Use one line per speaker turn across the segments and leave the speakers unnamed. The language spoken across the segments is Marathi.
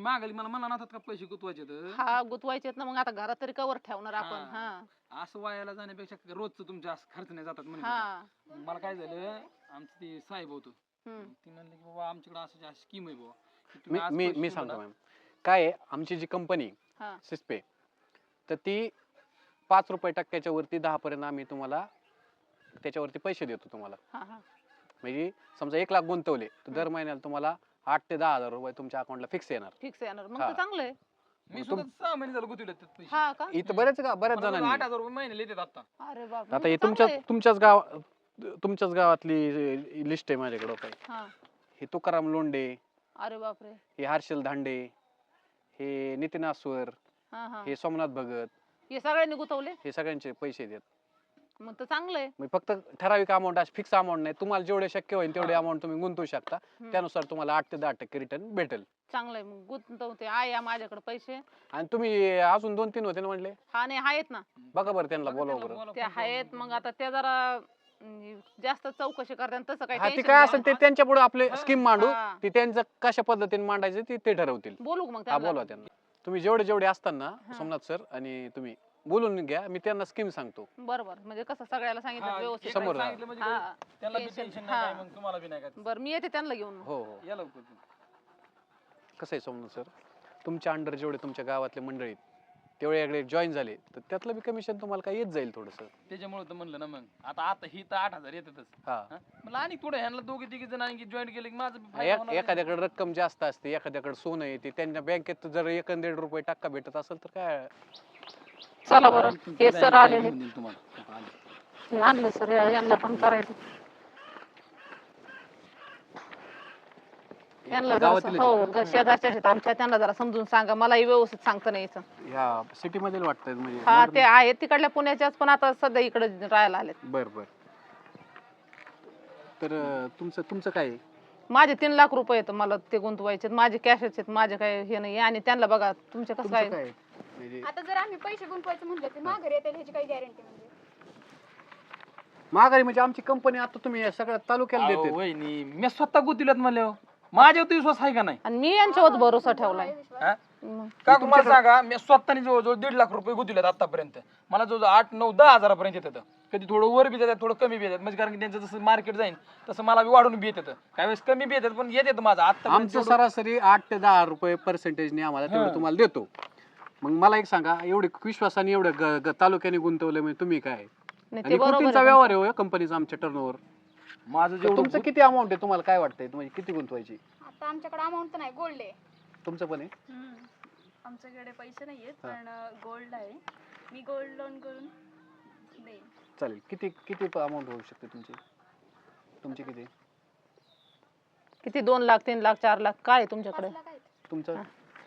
मागायला मला म्हणला ना का पैसे गुतवायचे
हा गुतवायचे ना, मग आता घरात तरी कवर ठेवणार आपण. हा
असं वायाला जाण्यापेक्षा रोजचं तुमच्या असं खर्च नाही जातात म्हणजे
हा
मला काय झालं आमचं ते साहेब होतं ती म्हणले की बाबा आमच्याकडे असं स्कीम आहे बाबा की तुम्ही आज
मी
पैसे
मी
दिले
सांगतो
ना,
मॅम काय आहे, आमची जी कंपनी
हा
सिस्पे तर ती 5 रुपये टक्क्याच्या वरती 10 पर्यंत आम्ही तुम्हाला त्याच्यावरती पैसे देतो तुम्हाला.
हा हा
म्हणजे समजा 1 लाख गुंतवले तर दर महिन्याला तुम्हाला 8 ते 10,000 रुपये तुमच्या अकाउंटला फिक्स येणार.
फिक्स येणार मग
हा.
तर चांगलं आहे.
मी सुद्धा 6 महिने झालं गुतवले त्यात पैसे
हा का
इथं बऱ्याच जणांनी
8,000 रुपये महिने येतात आता.
अरे बाप
आता हे तुमच्याच गावातली लिस्ट आहे माझ्याकडे काय.
हा
हे तुकाराम लोंढे,
अरे बापरे.
हे हर्षल धांडे, हे नितीन आस्वर,
हा हा
हे सोमनाथ भगत,
हे सगळ्यांनी गुतवले
हे सगळ्यांचे पैसे देत.
मग तर चांगलं आहे.
मग फक्त ठराविक अमाऊंट अशी फिक्स अमाऊंट नाही, तुम्हाला जेवढे शक्य होईल तेवढे अमाऊंट तुम्ही गुंतवू शकता. त्यानुसार तुम्हाला 8 ते 10% रिटर्न भेटेल.
चांगलं आहे मग गुंतवते आहे माझ्याकडे पैसे.
आणि तुम्ही अजून 2-3 होते ना म्हणले,
हा नाही आहेत ना
बघा बरं त्यांना बोलावं बरं.
ते आहेत. मग आता ते जरा जास्त चौकशी करतात तसं
हा
काही
ते काय असेल ते त्यांच्या पुढे आपले स्कीम मांडू,
हा.
ती त्यांचं कशा पद्धतीने मांडायचे ते ठरवतील.
बोलू का मग
हा
त्यांना?
बोलवा त्यांना. तुम्ही जेवढे असताना सोमनाथ सर आणि तुम्ही बोलून घ्या, मी त्यांना स्कीम सांगतो.
बरोबर म्हणजे कसं सगळ्याला सांगितलं
हा,
व्यवस्थित.
समोर राहा.
सांगितलं म्हणजे
हा.
त्याला बी
टेन्शन-
टेन्शन नाही काय
हा.
मग तुम्हाला बी नाही काय
बरं मी येते त्यांना घेऊन.
हो हो.
या लवकर तुम्ही.
कसं आहे सोमनाथ सर, तुमच्या अंडर जेवढे तुमच्या गावातले मंडळी तेवढे जॉईन झाले तर त्यातलं बी कमिशन तुम्हाला काय येत जाईल थोडंसं.
त्याच्यामुळे तर म्हणलं ना मग आता ही तर 8,000 येतातच.
हा
मला आणि पुढे ह्यांना 2-3 जण आणखी जॉईन केले की माझं बी फायदा होणार.
एखाद्याकडे रक्कम जास्त असते, एखाद्याकडे सोनं येते, त्यांच्या बँकेत जर 1-1.5 रुपये टक्का भेटत असेल तर काय.
चला बरं हे सर आलेले.
घेऊन देईन तुम्हाला. आले.
आणलं सर यांना पण करायचं. त्यांना जरा
गावातीलच?
हो शेजारच्या आहेत आमच्या, त्यांना जरा समजून सांगा. मलाही व्यवस्थित सांगता नाही यायचं.
ह्या सिटी मध्ये वाटतंय म्हणजे
हा ते आहेत तिकडल्या पुण्याच्याच, पण आता सध्या इकडे राहायला आलेत.
बर बर. तर तुमचं काय आहे?
माझे 3 लाख रुपये आहेत मला ते गुंतवायचे. माझे कॅशच आहेत, माझे काय हे नाही. आणि त्यांना बघा तुमचे कसं
तुमचं
काय.
काय आहे? म्हणजे
आता जर आम्ही पैसे गुंतवायचं म्हणलं तर माघारी येतील ह्याची काही गॅरंटी म्हणजे?
महागारी म्हणजे आमची कंपनी आता तुम्ही या सगळ्या तालुक्याला
अहो,
देते.
वहिनी मी स्वतः गुतिल्यात म्हणले माझ्यावर विश्वास आहे का नाही?
आणि मी यांच्यावर भरोसा ठेवलाय.
हा?
मग
का तुम्हाला सांगा मी स्वतःने जवळजवळ 1.5 लाख रुपये गुंतवलेत आतापर्यंत. मला जवळजवळ 8, 9, 10 हजारापर्यंत येतात. कधी थोडं वर बी येतात, थोडं कमी बी येतात. म्हणजे कारण की त्यांचं जसं मार्केट जाईल तसं मला बी वाढून बी येतात. काही वेळेस कमी बी येतात पण येतात माझं आता.
आमचं सरासरी 8 ते 10 रुपये पर्सेंटेजने आम्हाला तेवढं तुम्हाला देतो. मग मला एक सांगा, एवढे विश्वासाने एवढं तालुक्याने गुंतवलं म्हणजे तुम्ही काय
नाही ते
आणि
बरोबर
कोटींचा
आहे.
व्यवहार आहे कंपनीचा आमच्या टर्नओव्हर.
माझं जेवढं
तुमचं किती अमाऊंट आहे तुम्हाला काय वाटतंय, तुम्ही किती गुंतवायची?
आता आमच्याकडे अमाऊंट तर नाही, गोल्ड आहे.
तुमचं पण आहे?
आमच्याकडे पैसे नाहीयेत पण गोल्ड आहे. मी गोल्ड लोन करून देईन.
चालेल. किती अमाऊंट होऊ शकते तुमची किती?
किती 2 लाख 3 लाख 4 लाख काय आहे तुमच्याकडे?
5 लाख आहेत.
तुमचं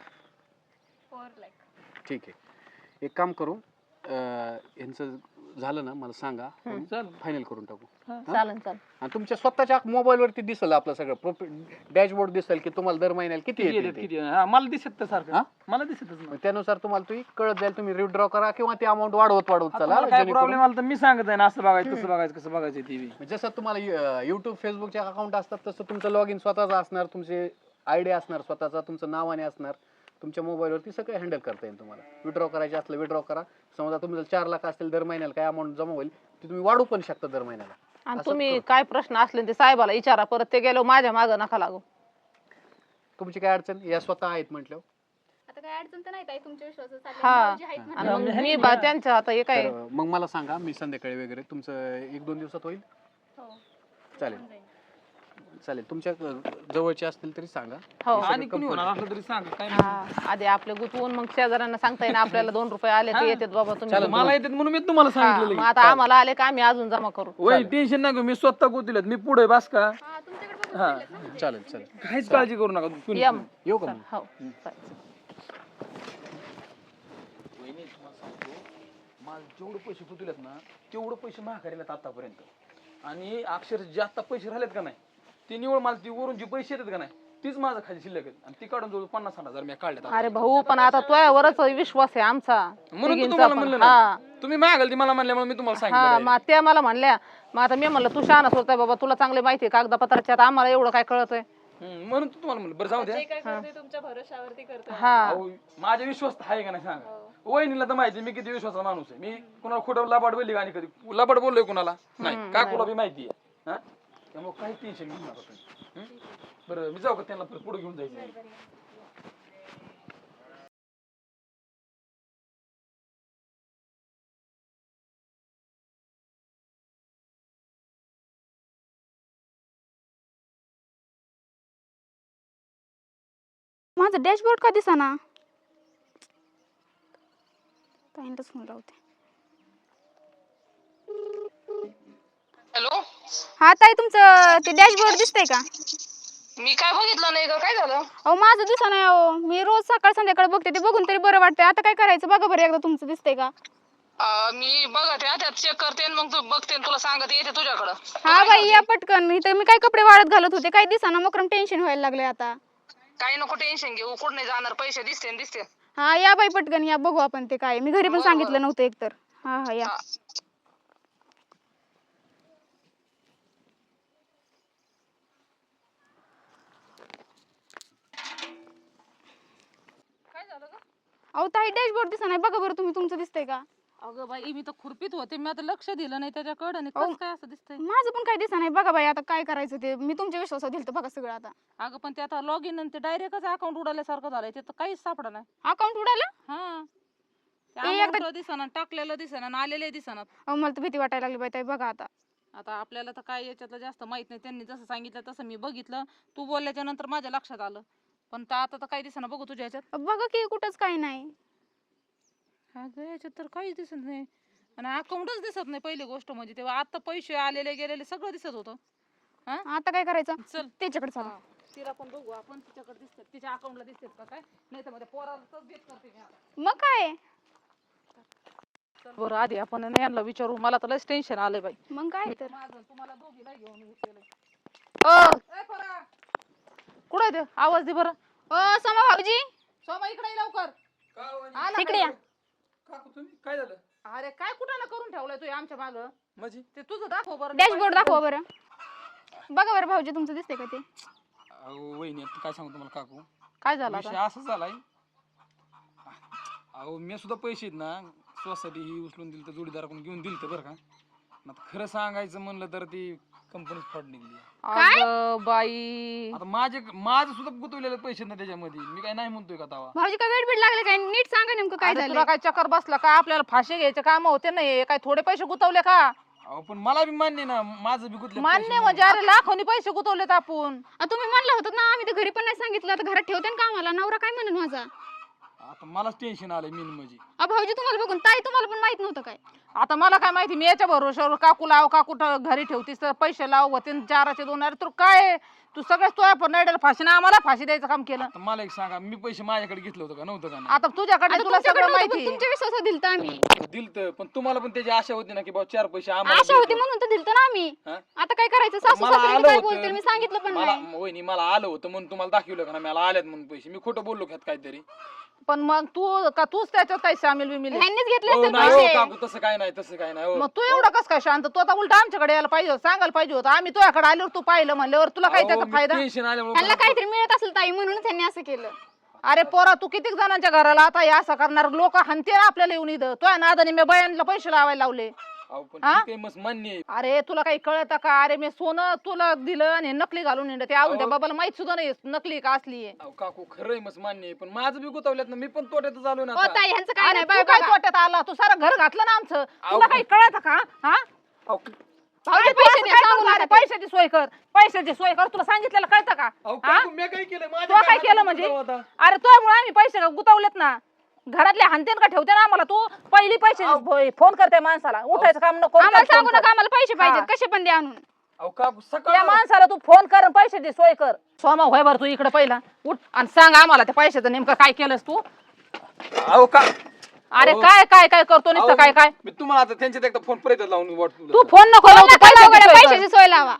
4 लाख.
ठीक आहे. एक काम करू, यांचं झालं ना मला सांगा, फायनल करून टाकू.
चालेल चालेल.
आणि तुमच्या स्वतःच्या मोबाईल वरती दिसेल आपलं सगळं डॅशबोर्ड दिसेल की तुम्हाला दर महिन्याला किती
किती
येते
येतात
ते.
किती हा, मला दिसत तर
हा?
सारखं मला दिसतच
मग
नाही.
त्यानुसार तुम्हाला तुम्ही कळत जाईल, तुम्ही विथड्रॉ करा किंवा ती अमाऊंट वाढवत
आता
चला.
मला काय
जेणेकरून-
प्रॉब्लेम आला तर मी सांगत आहे ना असं बघायचं कसं बघायचं कसं बघायचं टीव्ही.
जसं तुम्हाला युट्यूब फेसबुकचे अकाउंट असतात तसं तुमचं लॉग इन स्वतःच असणार, तुमचे आयडी असणार स्वतःचा, तुमचं नावाने असणार. तुमच्या मोबाईलवरती सगळं हँडल करता येईल तुम्हाला. विड्रॉ करायचे असलं विड्रॉ करा. समजा तुमचं 4 लाख असतील दर महिन्याला काय अमाऊंट जमा होईल ती तुम्ही वाढू पण शकता दर महिन्याला.
आणि
असं
तुम्ही
करू.
काय प्रश्न असले ते साहेबाला विचारा. परत ते गेलो माझ्या मागं नका लागू.
तुमची काय अडचण या स्वतः आहेत म्हटल्यावर.
आता काही अडचण तर नाही ताई, तुमच्या विश्वासात चाललंय.
हा.
भाऊजी आहेत
आणि
म्हणल्यावर.
मग मी त्यांच्या आता हे काय
तर मग मला सांगा, मी संध्याकाळी वगैरे तुमचं 1-2 दिवसात होईल?
हो.
चालेल
होऊन जाईल.
चालेल. तुमच्या जवळचे असतील तरी सांगा.
हो
आणि कुणी होणार असलं तरी सांग काय
हा, आधी आपले गुतवून मग शेजाऱ्यांना सांगता येईल आपल्याला 2 रुपये आले ते येतात बाबा तुम्ही.
नाही. मला येतात म्हणून मी तुम्हाला
हा,
सांगितलं
मग आता आम्हाला आले का आम्ही अजून जमा करू.
वय टेन्शन नका मी स्वतः गुंतवलेत मी पुढे बस का
हा, तुमच्याकडे बघून
हा.
केलेत ना म्हणजे.
चालेल चालेल.
काहीच काळजी करू नका कुणी.
या
येऊ का मग?
हो चालेल.
वहिनी, तुम्हाला सांगतो, मला जेवढे पैसे गुंतवलेत ना तेवढे पैसे महागारीला आतापर्यंत. आणि अक्षर जे आता पैसे राहिलेत का नाही ते निवड मला ती वरून जी पैसे येतात का नाही तीच माझा खाली शिल्लक आहेत. आणि ती काढून जवळ 50-60 हजार मी काढले.
अरे भाऊ पण आता तुझ्यावरच विश्वास आहे आमचा
म्हणून तर
तिघींचा
तुम्हाला
पण.
म्हणलं
हा
ना तुम्ही मागाल ती मला म्हणल्यामुळे मी तुम्हाला
हा
सांगितलं.
मग त्या मला म्हणल्या. मग आता मी म्हणलं तू शहाणा होताय बाबा, तुला चांगले माहिती आहे कागदपत्राच्या, आता आम्हाला एवढं काय कळत आहे.
म्हणून तर तुम्हाला म्हणलं बरं जाऊ द्या.
जे काय करते तुमच्या भरोशावरती करतो.
हा
अहो, माझ्या विश्वास आहे का नाही सांगा. वहिनीला तर माहिती मी किती विश्वासाचा माणूस आहे. मी कुणाला खोटं लबाड बोलली आणि कधी लबाड बोललोय कुणाला नाही. काकूला बी माहिती आहे. त्यामुळे काही टेन्शन घेऊ नका तुम्ही. बरं मी जाऊ का त्यांना पुढे घेऊन जायचं.
माझं डॅशबोर्ड का दिसेना? ताईंलाच फोन लावते.
हॅलो,
हा ताई, तुमचं ते डॅशबोर्ड दिसतंय का?
मी काय बघितलं नाही ग, काय झालं?
अहो माझं दिसेना. अहो मी रोज सकाळ संध्याकाळ बघते, ते बघून तरी बरं वाटतंय. आता काय करायचं बघा बरं एकदा, तुमचं दिसतंय का?
मी बघते त्यात चेक करते आणि मग तू बघते आणि तुला सांगते येते तुझ्याकडं.
हा बाई या पटकन. इथं मी काय कपडे वाळत घालत होते, काय दिसेना. मकरम टेन्शन व्हायला लागलंय आता.
काही नको टेन्शन घेऊ, कुठं नाही जाणार, पैसे दिसते.
हा या बाई पटकन या, बघू आपण ते काय. मी घरी पण
बरं,
सांगितलं
बरं.
नव्हतं एकतर. हा हा या.
हा.
अहो ताई डॅशबोर्ड दिसेना. बघा बरं तुम्ही, तुमचं दिसतंय का?
अगं बाई मी तर खुरपीत होते, मी आता लक्ष दिलं नाही त्याच्याकडे आणि
अहो.
कसं काय असं दिसतंय.
माझं पण काय दिसेना. बघा बाई आता काय करायचं ते. मी तुमच्या विश्वासात दिलतं बघा सगळं आता.
अगं पण ते आता लॉग इन आणि ते डायरेक्टच अकाउंट उडाल्यासारखं झालंय, ते तर काहीच सापडा नाही.
अकाउंट उडालं?
हा
एकदा-
ते दिसना, टाकलेलं दिसना आणि आलेले दिसना.
अहो मला तर भीती वाटायला लागली बाई ताई. बघा आता.
आता आपल्याला तर काय याच्यातलं जास्त माहित नाही, त्यांनी जसं सांगितलं तसं मी बघितलं. तू बोलल्याच्या नंतर माझ्या लक्षात आलं, पण आता तर काही दिसना. बघू तुझ्या ह्याच्यात.
बघा की कुठंच काही नाही.
अगं याच्यात तर काहीच दिसत नाही आणि अकाउंटच दिसत नाही. पहिली गोष्ट म्हणजे तेव्हा आता पैसे आलेले गेलेले सगळं दिसत होतं.
आता काय करायचं?
चल
त्याच्याकडे चला.
तिला पण बघू आपण, तिच्याकडे दिसतात, तिच्या अकाउंटला दिसतात का काय, नाही तर मध्ये पोरालाच बेत करते मी आता.
मग काय?
चल बरं आधी आपण ना यांना विचारू, मला तर लयच टेन्शन आलंय बाई.
मग काय तर.
माझं तुम्हाला दोघीला घेऊन हे केलंय. ए पोरा, कुठं आहे ते? आवाज दे बरं.
ओ सोमा भाऊजी,
सोमा इकडे ये लवकर. आला
इकडे
काय?
या.
काकू तुम्ही काय झालं
अरे काय कुठं ना करून ठेवलंय तू आमच्या माग,
माझी?
ते तुझं दाखव बरं.
डॅशबोर्ड दाखवा बरं. बघा बरं भाऊजी, तुमचं दिसतंय का ते?
अहो वहिनी आता काय सांगू तुम्हाला काकू,
काय झालं
विषय
आता?
असा झालाय. अहो मी सुद्धा पैसे आहेत ना स्वसाठी ही उचलून दिली तर जोडीदाराकडून घेऊन दिलं बरं का. आता खरं सांगायचं म्हणलं तर ती कंपनीच फ्रॉड निघली.
अगं बाई,
आता माझं सुद्धा गुंतवलेले पैसे ना त्याच्यामध्ये, मी काय नाही म्हणतोय का तवा.
भाऊजी काय वेळ लागले काय? नीट सांगा नेमकं काय
अरे
झालं.
तुला काय चक्कर बसला का? आपल्याला फाशी घ्यायचे काम होते नाही, काय थोडे पैसे गुतवले का?
अहो पण मला बी मान्य ना माझं बी गुंतले
मान्य म्हणजे अरे लाखोनी पैसे गुतवलेत आपण.
तुम्ही म्हणलं होतं ना, आम्ही तर घरी पण नाही सांगितलं. आता घरात ठेवते ना कामाला. नवरा काय म्हणेल माझा?
आता मलाच टेन्शन आलंय मेन म्हणजे.
भाऊजी तुम्हाला बघून ताई तुम्हाला पण माहित नव्हतं काय?
आता मला काय माहिती, मी याच्या भरोश्यावर काकू लाव, काकू घरी ठेवतीस तर पैसे लाव होते 4चे 2. अरे तू काय, तू सगळ्याच तुझ्या पण नाही फाशीने आम्हाला फाशी द्यायचं काम केलं.
आता मला एक सांगा, मी पैसे माझ्याकडे घेतलं होतं का नव्हतं का
आता तुझ्याकडे
आता
तुला
तुमच्याकडे
सगळं
नव्हतं, पण
माहिती.
तुमच्या विश्वासात दिलतं आम्ही.
नाही? दिलतं, पण तुम्हाला पण त्याची आशा होती ना की बाबा 4 पैसे आम्हाला
आशा होती
देतील.
म्हणून तर दिलतं ना आम्ही.
हा?
आता काय करायचं? सासू
मला
सासरे
आलं
काय
होतं.
बोलतील? मी सांगितलं पण
मला
नाही.
वहिनी मला आलं होतं म्हणून तुम्हाला दाखवलं का ना मला आल्यात म्हणून पैसे. मी खोटं बोललो ख्यात काहीतरी.
पण मग तूच त्याच्यात काही सामील बिमील आहे?
ह्यांनीच घेतले
हो
असतील
नाही हो
पैसे.
काकू, तसं काय नाही तसं काय नाही हो.
मग तू एवढं कस काय शांत? तू आता उलट आमच्याकडे यायला पाहिजे होतं, सांगायला पाहिजे होतं. आम्ही तुझ्याकडे आल्यावर तू पाहिलं म्हणल्यावर तुला काय त्याचा फायदा?
टेन्शन
ह्यांना
आल्यामुळे
काहीतरी मिळत असेल ताई, म्हणूनच त्यांनी असं केलं.
अरे पोरा, तू किती जणांच्या घराला आता हे असं करणार? लोक हानते ना आपल्याला येऊन इथं. तुझ्या नादाने मी बायांना पैसे लावायला लावले.
अहो पण
हा?
ठीक आहे, मस्त मान्य आहे.
अरे तुला काही कळत का? अरे मी सोनं तुला दिलं आणि नकली घालून येणं, ते अजून त्या बाबाला माहित सुद्धा नाही नकली का असली आहे.
अहो काकू खरंय मस्त मान्य आहे, पण माझं बी गुतवल्यात ना, मी पण तोट्यात झालो ना
हो
आता.
ताई, ह्यांचं काय
अरे
नाही.
तू
बघा,
काय
बघा.
तोट्यात आला? तू सारं घर घातलं ना आमचं.
अहो,
तुला काही कळत का? हा?
अहो,
भाऊजी
अरे
पैसे
तू
द्या,
असं काय
सांगू
करतो? अरे
नका ते.
पैशाची सोय कर, पैशाची सोय कर. तुला सांगितलेलं कळतं का?
अहो
हा?
काकू मी काय केलं? माझ्या
तू काय
हातात
केलं म्हणजे?
गुतवलं होता.
अरे तुझ्यामुळे आम्ही पैसे गुतवलेत ना. घरातले हानतेन का ठेवते ना आम्हाला? तू पहिली पैसे फोन करते माणसाला, उठायचं काम नको.
आम्हाला
फोन
सांगू
कर.
नका, आम्हाला पैसे
हा.
पाहिजेत. कसे पण द्या आणून.
अहो काकू
त्या
सकाळ
माणसाला तू फोन कर आणि पैशाची सोय कर. सोमा होय बरं, तू इकडे पहिला उठ आणि सांग आम्हाला त्या पैशाचं नेमकं काय केलंस तू.
अहो का
अरे
अहो.
काय काय काय करतो नुसतं काय काय?
मी तुम्हाला आता त्यांच्यात एकदा फोन परत लावून वाटतो.
तू फोन नको लावू, तू
नका लावू
पैशाची
गड्या,
सोय कर.
पैशाची सोय लावा.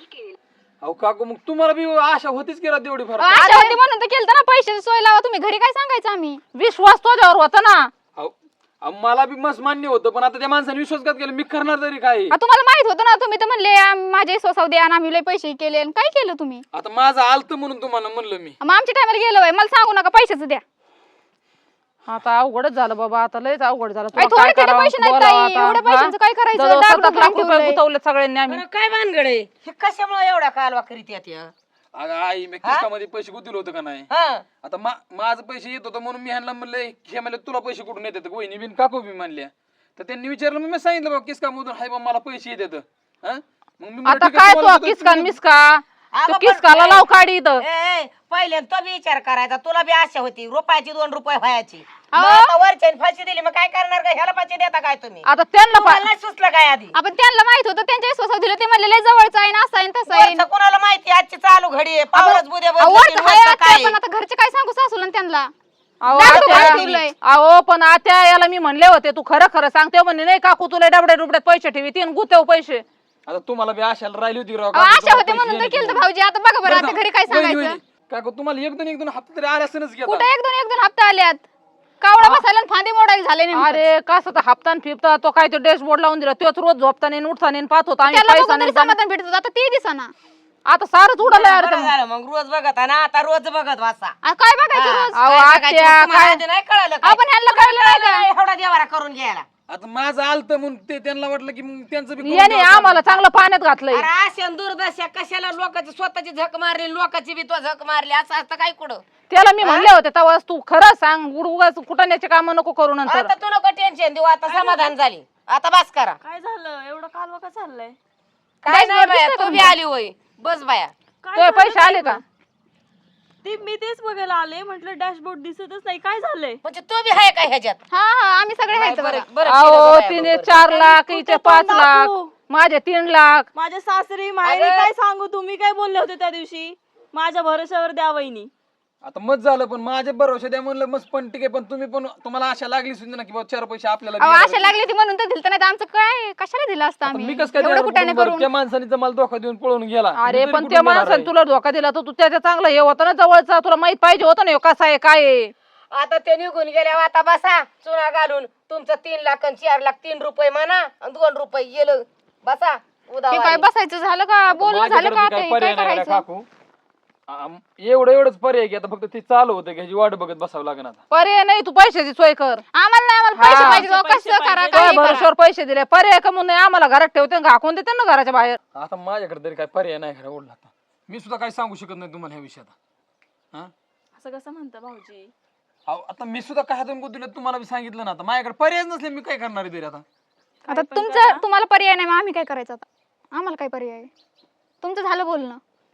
अहो काकू मग तुम्हाला बी आशा होतीच की तेवढी फार.
आशा होती म्हणून तर केलं ना. पैशाची सोय लावा. तुम्ही घरी काय सांगायचं आम्ही?
विश्वास तुझ्यावर होता ना.
अहो मला बी मस्त मान्य होतं, पण आता त्या माणसाने विश्वासघात केला, मी करणार तरी काय?
तुम्हाला माहित होतं ना, तुम्ही तर म्हणले माझे स्वसाव द्या आणि आम्ही लय पैसे केले आणि काय केलं तुम्ही?
आता माझं आलत म्हणून तुम्हाला म्हणलं मी.
मग आमच्या टायमाला गेलो होय, मला सांगू नका पैशाचं द्या.
आता अवघडच झालं बाबा, आता लयच अवघड झालं.
काय
तुला
थोडे
काय
तरी
करावं?
पैसे नाहीत
बोलावं
ताई,
आता.
एवढ्या पैशांचं काय करायचं?
जवळ
डाग
7 लाख
डुकराम
रुपये
ठेवलंय.
गुतवले सगळ्यांनी आम्ही.
बरं, काय भानगड आहे हे? कशामुळे एवढा कालवा करीत येत या?
अगं आई, मी किस्तामध्ये पैसे गुंतवले होते का नाही?
हा
आता माझं पैसे येत होतं म्हणून मी ह्यांना म्हणले, हे म्हणले तुला पैसे कुठून येतात? वहिनी बिन काकू बी म्हणल्या. तर त्यांनी विचारलं, मग मी सांगितलं बाबा किसकामधून हाय बा, मला पैसे येतात. मग मी म्हणलं,
आता
ठीक आहे,
काय
तुम्हाला
तू
देतो,
किसका
तुम्ही-
मिसका
अगं
तू
पण-
किसकाला लाव काढी इथं.
पहिले तो बी विचार करायचा, तुला बी आशा होती रुपयाची 2 रुपये व्हायची.
अहो.
मग आता वरच्याने फाशी दिली, मग काय करणार का? ह्याला पैसे देता काय तुम्ही?
आता त्यांना
तुम्हाला नाही सुचलं काय आधी?
आपण त्यांना माहित होतं, त्यांच्या स्वसाव दिलं, ते म्हणले लय जवळचं आहे ना, असं आहे ना, तसं आहे.
वरचं कोणाला माहिती आजची चालू घडी आहे, पावलंच बुद्या
अहो,
बदलतील,
वरचं आहे
वरचं
आत्या,
काय
पण आता घरचे काय सांगू सासूला आणि त्यांना?
अहो
डाग
आत्या,
डुकराम ठेवलंय.
अहो पण आता याला मी म्हणले होते, तू खरं खरं सांगते म्हणे नाही काकू तुला डबड्या डुबड्यात पैसे ठेवी तीन गुतेव पैसे.
आता तुम्हाला बी आशाला राहिली होती राव,
अहो,
काकू,
आशा
तुम्हाला
होते
पैसे
म्हणून तर
येणार
केलं
म्हणून.
भाऊजी. आता बघा बरं, आता
बरं
घरी काय
का? वहिनी,
सांगायचं?
वहिनी, काकू तुम्हाला एक दोन हप्ते तरी आल्यासनच घेता.
कुठं एक दोन हप्ता आल्यात, कावडा बसायला आणि फांदी मोडायला झाले नेमकं.
अरे कसं तर हप्तान फिरता तो काय तो डॅशबोर्ड लावून दिला, तोच रोज झोपता नाही उठता नाही पाहत होता आम्ही
त्याला
पैसा
बघून
नाही
तरी समाधान भेटत होतं, आता ते दिसना.
आता सारच उडालं यार.
बरं झालं, मग रोज बघत ना, आता रोज बघत वाचा.
काय बघायचं रोज?
अहो
काय बघायचं?
आत्या
तुम्हाला
काय
आधी नाही कळलं काय?
आपण ह्यांना कळलं नाही का?
एवढा देवारा करून घ्यायला.
आता माझं आलत म्हणून ते त्यांना वाटलं की मग त्यांचं बी करून
याने
द्यावं
आम्हाला चांगलं पाण्यात घातलंय.
अरे अशा दुर्दशा कशाला लोकांची स्वतःची झक मारली, लोकांची बी तो झक मारली, असं असतं काय कुठं?
त्याला मी म्हणले होते तेव्हा तू खरं सांग, उगाच कुठाण्याचे काम नको करू नंतर.
आता तू नको टेन्शन देऊ, आता समाधान झाली, आता बस करा.
काय झालं? एवढं कालवा का चाललंय?
काय नाही
बस
बाया,
दिसतंय
तू बी
तुमचं.
आली होय, बस बाया.
काय
तुझे
झालं
पैसे आले का?
ते मी तेच बघायला आले, म्हटलं डॅशबोर्ड दिसतच नाही, काय झालंय?
म्हणजे तू बी आहे का ह्याच्यात?
हा हा, आम्ही सगळे आहेत बघा.
बरं केलं
अहो
बाया,
तिने
बरं.
4 लाख इथे
कुठे
5
पण
लाख
दाखवू.
माझे 3 लाख.
माझ्या सासरी माहेरी
अरे.
काय सांगू, तुम्ही काय बोलले होते त्या दिवशी? माझ्या भरोश्यावर द्या वहिनी.
आता मत झालं, पण माझ्या भरोशा द्या म्हणलं मस्त, पण ठीक आहे, पण तुम्ही पण तुम्हाला आशा लागली सुद्धा ना की बाबा 4 पैसे आपल्याला
अहो,
देणार
आशा लागली ती म्हणून तर दिलं नाही तर आमचं काय कशाला दिलं असतं
आता
आम्ही?
मी कसं काय
एवढं
देणार
कुठाने
बरं?
करून.
त्या माणसाने जर मला धोका देऊन पळून गेला,
अरे
मी तरी
पण
कुठून
त्या
देणार
माणसाने
आहे?
तुला धोका दिला तर तू त्याच्या चांगलं हे होतं ना जवळचा, तुला माहित पाहिजे होतं ना ह्यो कसा आहे काय आहे.
आता ते निघून गेल्यावर आता बसा चुना घालून, तुमचं 3 लाख आणि 4 लाख, 3 रुपये म्हणा आणि 2 रुपये गेलं, बसा उदा
हे काय बसायचं झालं का? बोलणं झालं
माझ्याकडे
का?
बी काय
ते
पर्याय
काय
नाही रे
करायचं?
काकू. एवढंच पर्याय की आता फक्त ते चालू होतं की ह्याची वाट बघत बसावं लागेल आता.
पर्याय नाही, तू पैशाची सोय कर.
आम्हाला नाही, आम्हाला पैसे
हा.
पाहिजे.
पैसे
कसं करा
पाहिजे.
तुझ्या
काही करा.
भरोश्यावर पैसे दिले, पर्याय कमून नाही आम्हाला घरात ठेवते घाकून देते ना घराच्या बाहेर.
आता माझ्याकडे तरी काय पर्याय नाही खरं ओढला आता. मी सुद्धा काही सांगू शकत नाही तुम्हाला ह्या विषयात. हा
असं कसं म्हणता भाऊजी?
अहो, आता मी सुद्धा काय हातून गुंतवलं तुम्हाला बी सांगितलं ना, आता माझ्याकडे पर्याय नसले मी काय करणार आहे तरी आता.
आता तुमचं तुम्हाला पर्याय नाही, मग आम्ही काय करायचं आता? आम्हाला काय पर्याय आहे? तुमचं झालं बोलणं.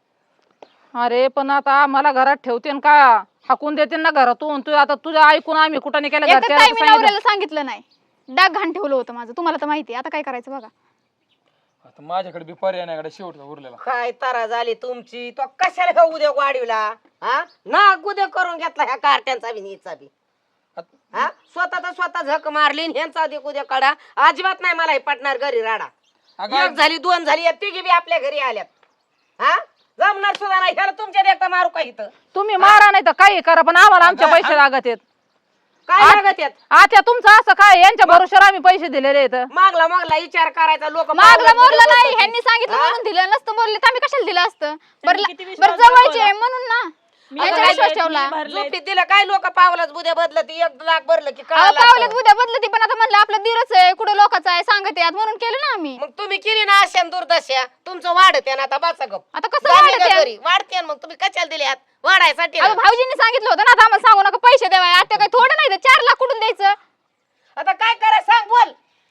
अरे पण आता आम्हाला घरात ठेवते का हाकून देते ना घरातून. तू आता तुझ्या ऐकून आम्ही कुठं नाही केलं
एकतर
घरच्याला
ताई मी
सांगितलं.
नवऱ्याला सांगितलं नाही, डाग घाण ठेवलं होतं माझं, तुम्हाला तर माहिती आहे. आता काय करायचं बघा.
आता माझ्याकडे बी पर्याय नाही शेवटचा उरलेला.
काय तारा झाली तुमची, तो कशाला ह्या उद्या वाढीवला? हा ना उद्या करून घेतला ह्या कार्ट्यांचा बी नीचा बी. हा स्वतः झक मारली आणि ह्यांचा दे उद्या काढा. अजिबात नाही मला हे पटणार घरी राडा.
अगं,
1 झाली 2 झाली, या तिघी बी आपल्या घरी आल्यात. हा जमणार सुद्धा नाही, ह्याला तुमच्या देखता मारू का इथं?
तुम्ही मारा नाही तर काही करा, पण आम्हाला आमचे पैसे लागत आहेत.
काय लागत यात?
आता तुमचं असं काय, यांच्या भरोश्यावर आम्ही पैसे दिलेले आहेत.
मागला विचार करायचा. लोक
मागलं मोरलं नाही, ह्यांनी सांगितलं म्हणून दिलं, नसतं बोलले तर आम्ही कशाला दिलं असतं?
त्यांनी किती
बरं
विश्वास
बरं जवळचे
दाखवला?
आहे म्हणून ना
मी
यांच्यावर
भरलेत,
विश्वास
मी
ठेवला.
भरलेत.
झोपीत दिलं काय लोक पावलाच बुद्या बदलत, 1 लाख भरलं की
अहो,
कळालं
पावलेत
असतं.
उद्या बदलती, पण आता म्हणलं आपलं दिरच आहे, कुठं लोकांचं आहे सांगत यात म्हणून केलं ना आम्ही.
मग तुम्ही केली ना अशा दुर्दशा, तुमचं वाढते ना आता बसा गप.
आता कसं
झाली
वाढत
का
आहे?
घरी वाढते ना, मग तुम्ही कशाला दिले हात वाढायसाठी ना.
अहो, भाऊजींनी सांगितलं होतं ना, आता आम्हाला सांगू नका पैसे द्यावा. आता काय थोडं नाही, 4 लाख कुठून द्यायचं?
आता काय करा सांग बोल.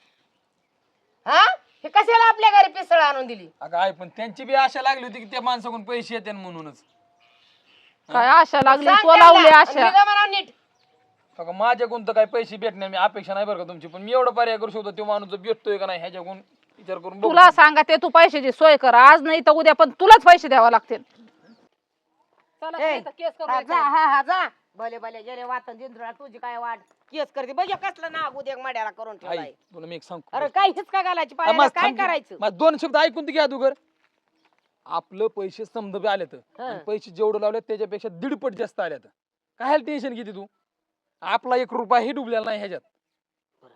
हा हे कशाला आपल्या घरी पिसळ आणून दिली?
अगं आहे, पण त्यांची बी आशा लागली होती की त्या माणसाकडून पैसे येते म्हणूनच.
काय आशा लागली,
सांग
तो
त्यांना.
लावली आशा.
निघा म्हणा नीट.
अगं माझ्याकडून तर काही पैसे भेटणार मी अपेक्षा नाही बरं का तुमची, पण मी एवढं पर्याय करू शकतो तो माणूस जर भेटतोय का नाही ह्याच्याकडून विचार करून बघू.
तुला सांगा ते तू पैशाची सोय कर, आज नाही तर उद्या, पण तुलाच पैसे द्यावा लागतील. चला,
ए,
नाही तर केस करू
हा,
एखादी.
हा जा भले भले गेले वाटन जिंद्रा, तुझी काय वाट केस करते बघ कसलं नाग उद्या मड्याला करून
आई
ठेवलाय.
तुला मी एक सांग.
अरे काय हिचका घालायची पायाला, काय करायचं?
माझं 2 शब्द ऐकून घ्या अगोदर. आपलं पैसे समजा बी आलेत आणि पैसे जेवढं लावले त्याच्यापेक्षा 1.5 पट जास्त आल्यात. काय टेन्शन घेते तू? आपला 1 रुपया ही डुबलेला नाही ह्याच्यात.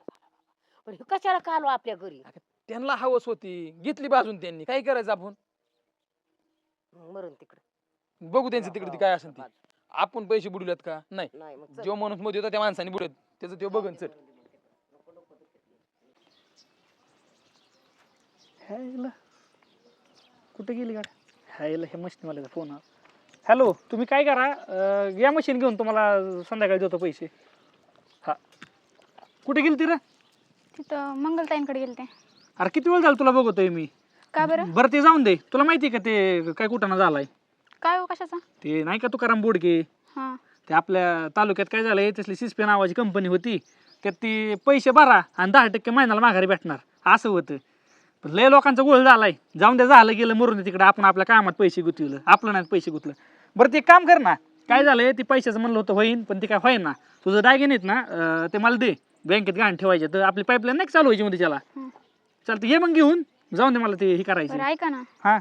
पण हे कशाला का आलो आपल्या घरी?
त्यांना हवस होती, घेतली बाजून त्यांनी, काय करायचं आपण?
मरून तिकडे
बघू त्यांचं तिकडे ती काय असेल ती. आपण पैसे बुडवल्यात का? नाही.
नाही मग चल.
जो माणूस मध्ये होता त्या माणसाने बुडत, त्याचं ते बघन चल.
ह्याला कुठे गेली गाडी? ह्याला हे मशीनवाल्याचा फोन हा. हॅलो, तुम्ही काय करा, या मशीन घेऊन तुम्हाला संध्याकाळी देतो पैसे. हा, कुठे गेली ती रे?
तिथं मंगलताईंकडे गेलते.
अरे किती वेळ झाला तुला बघतोय मी.
का बरं?
बरं ते जाऊन दे. तुला माहिती का ते काय कुठं झालाय?
काय हो कशाचा?
ते नाही का तुकाराम बोडके,
हा
ते आपल्या तालुक्यात काय झालंय, तसली सिस्पे नावाची कंपनी होती, त्यात ती पैसे भरा आणि 10% महिन्याला माघारी भेटणार असं होतं. पण लय लोकांचा गोळ झालाय. जाऊन द्या, झालं गेलं, मरून तिकडे. आपण आपल्या कामात पैसे गुंतवलं, आपलं नाही पैसे गुंतलं. बरं ते काम कर ना, काय झालंय, ते पैशाचं म्हणलं होतं होईन, पण ते काय होईन ना. तुझं दागिने आहेत ना, ते मला दे, बँकेत गहाण ठेवायचे. तर आपली पाईपलाईन नाही चालू व्हायची मध्ये त्याला. चालतं, ये मग घेऊन जाऊन दे, मला ते हे करायचं.
बरं ऐका ना,
हा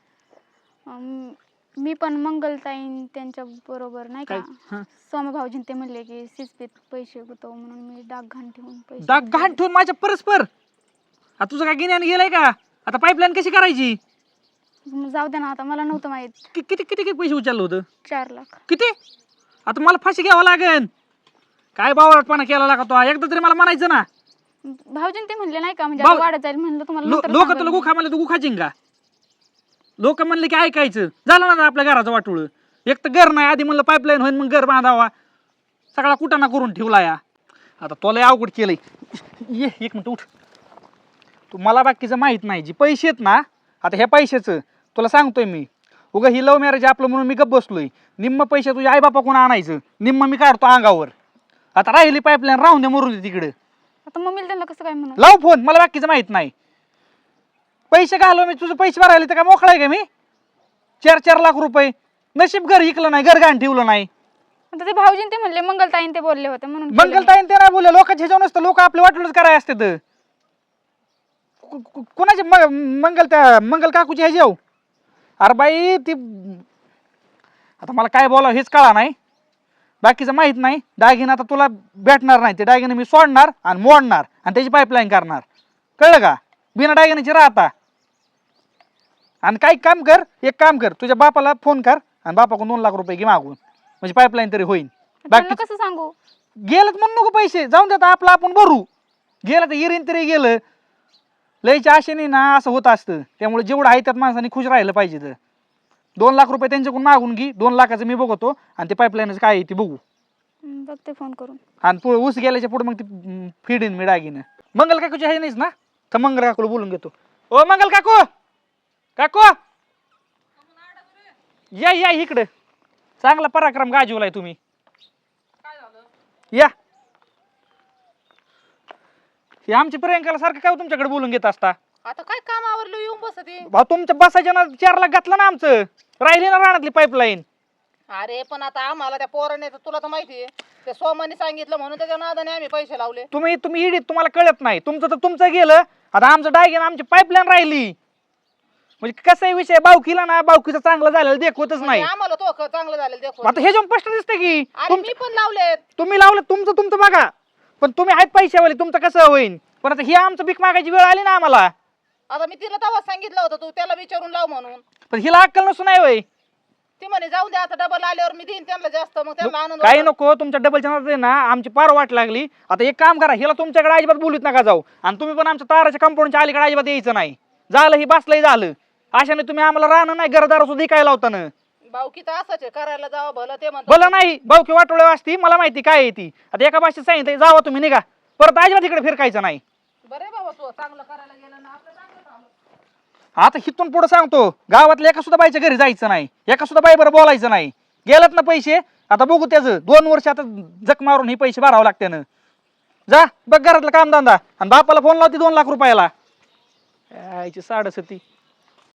मी पण मंगलताईन त्यांच्या बरोबर नाही का,
हा.
स्वामी भाऊजीन ते म्हणले की सिस्पीत पैसे गुतव म्हणून मी डाग घाण ठेवून पैसे
डाग गहाण ठेवून माझ्या परस्पर. आता तुझं काय गिन्याने गेलंय का? आता पाईपलाईन कशी करायची?
मग जाऊ दे ना, आता मला नव्हतं माहित.
किती किती किती पैसे उचललं होतं?
4 लाख.
किती? आता मला फाशी घ्यावं लागेल. काय बावळटपणा केला लागा तो? एकदा तरी मला म्हणायचं ना.
भाऊजीन ते म्हणले नाही का, म्हणजे
भाऊ-
आता वाढत जाईल म्हणलं तुम्हाला नंतर
लोक
सांगेल
तुला
मी.
गुखा म्हणले तू गुखाचीन का? लोक म्हणले की ऐकायचं. झालं ना आपल्या घराचं वाटोळ. एक तर घर नाही, आधी म्हणलं पाईपलाईन होईन मग घर बांधावा. सगळा कुटाणा करून ठेवला या. आता तुला अवघड केलंय. ये एक मिनिट उठ. तू मला बाकीचं माहित नाही. जी पैसे आहेत ना, आता ह्या पैशाचं तुला सांगतोय मी, उगा ही लव्ह मॅरेज आपलं म्हणून मी गप्प बसलोय. निम्म पैसे तुझ्या आई बापा कोण आणायचं, निम्म मी काढतो अंगावर. आता राहिली पाईपलाईन राहून दे, मरून दे तिकडे.
आता मम्मीला त्यांना कसं काय म्हणून?
लाव फोन, मला बाकीचं माहित नाही. पैसे घालव मी, तुझं पैसे भरायला तर काय मोकळा आहे का मी? 4-4 लाख रुपये. नशीब घर इकलं नाही, घर घाण ठेवलं नाही.
आता ते भाऊजीन ते म्हणले, मंगलताईन ते बोलले होते म्हणून केलं मी.
मंगलताईन ते नाही बोलले, लोकांच्या ह्याच्यावर नसतं. लोक आपले वाटलंच कराय असते तर. कोणाचे मंगल काकूचे ह्याचे? अरे बाई ती, आता मला काय बोलावं हेच कळा नाही. बाकीचं माहित नाही. दागिना आता तुला भेटणार नाही. ते दागिने मी सोडणार आणि मोडणार आणि त्याची पाईपलाईन करणार. कळलं का? बिना दागिन्याची राहता. आणि काही काम कर, एक काम कर, तुझ्या बापाला फोन कर आणि बापाकडून 2 लाख रुपये घे मागून, म्हणजे पाईपलाईन तरी होईल.
त्यांना
बाकी
कसं सांगू?
गेलं तर म्हणून नको पैसे, जाऊन देता आपलं आपण भरू. गेलं तर इरीन तरी गेलं. लयच्या आशेने ना असं होत असतं. त्यामुळे जेवढं आहे त्यात माणसाने खुश राहिलं पाहिजे. तर 2 लाख रुपये त्यांच्याकडून मागून घे. 2 लाखाचं मी बघतो आणि ते पाईपलाईनच काय आहे ते बघू.
बघते फोन करून.
आणि पुढे ऊस गेल्याच्या पुढे मग ती फिडीन मी डागीनं. मंगल काकूची आहे नाहीच ना, तर मंगल काकूला बोलून घेतो. ओ मंगल काकू, काकू या या इकडे. चांगला पराक्रम गाजवलाय तुम्ही. या. हे आमच्या प्रियंकाला सारखं काय तुमच्याकडे बोलून घेत असता?
आता काय काम आवरलं येऊन बसते.
भाऊ तुमच्या बसायच्या ना 4 लाख घातलं ना आमचं. राहिली ना रानातली पाईपलाईन.
अरे पण आता आम्हाला त्या पोराने तुला तर माहितीये, त्या सोमाने सांगितलं म्हणून त्याच्या नादाने आम्ही पैसे लावले.
तुम्ही इडीत, तुम्हाला कळत नाही. तुमचं तर तुमचं गेलं. आता आमचं डायगेन, आमची पाईपलाईन राहिली. म्हणजे कसा विषय, बावकीला ना बावकीचं चांगलं झालेलं देखवतच नाही.
आम्हाला तो चांगलं झालं देखो.
आता हे जाऊन स्पष्ट दिसतं की
अरे मी पण लावलेत.
तुम्ही लावलं, तुमचं बघा. पण तुम्ही आहेत पैशावाले, तुमचं कसं होईल? पण आता ही आमचं भीक मागायची वेळ आली ना आम्हाला.
आता मी तिला तेव्हा सांगितलं होतं तू त्याला विचारून लाव म्हणून.
पण हिला अक्कल नसून नाही होय.
ती म्हणे जाऊन दे, आता डबल आल्यावर मी देईन त्यांना जास्त, मग त्यांना आनंद
काही
होतो.
नको, तुमच्या डबलच्या नादात ना आमची पार वाट लागली. आता एक काम करा, हिला तुमच्याकडे अजिबात बोलूत नका जाऊ. आणि तुम्ही पण आमच्या ताराच्या कंपाऊंडच्या अलीकडे अजिबात यायचं नाही. झालं ही बसलंय झालं. अशाने तुम्ही आम्हाला राहणं नाही, घरदार सुद्धा काय लावता ना.
भाऊकी तर असंच आहे, करायला जावं भलं ते म्हणतात.
भलं नाही, भाऊकी वाटोळे असती, मला माहिती काय आहे ती. आता एका भाषेत सांगितलं जावा तुम्ही, निघा, परत अजिबात इकडे फिरकायचं नाही.
बरे बाबा, तू चांगलं करायला गेलं ना, आपलं चांगलं झालं.
आता हिथून पुढे सांगतो, गावातल्या एका सुद्धा बाईच्या घरी जायचं नाही, एका सुद्धा बाई बरं बोलायचं नाही. गेलात ना पैसे, आता बघू त्याचं 2 वर्ष आता जक मारून हे पैसे भरावं लागते ना. जा बघ घरातलं कामधंदा आणि बापाला फोन लावते 2 लाख रुपयाला. यायची 7.5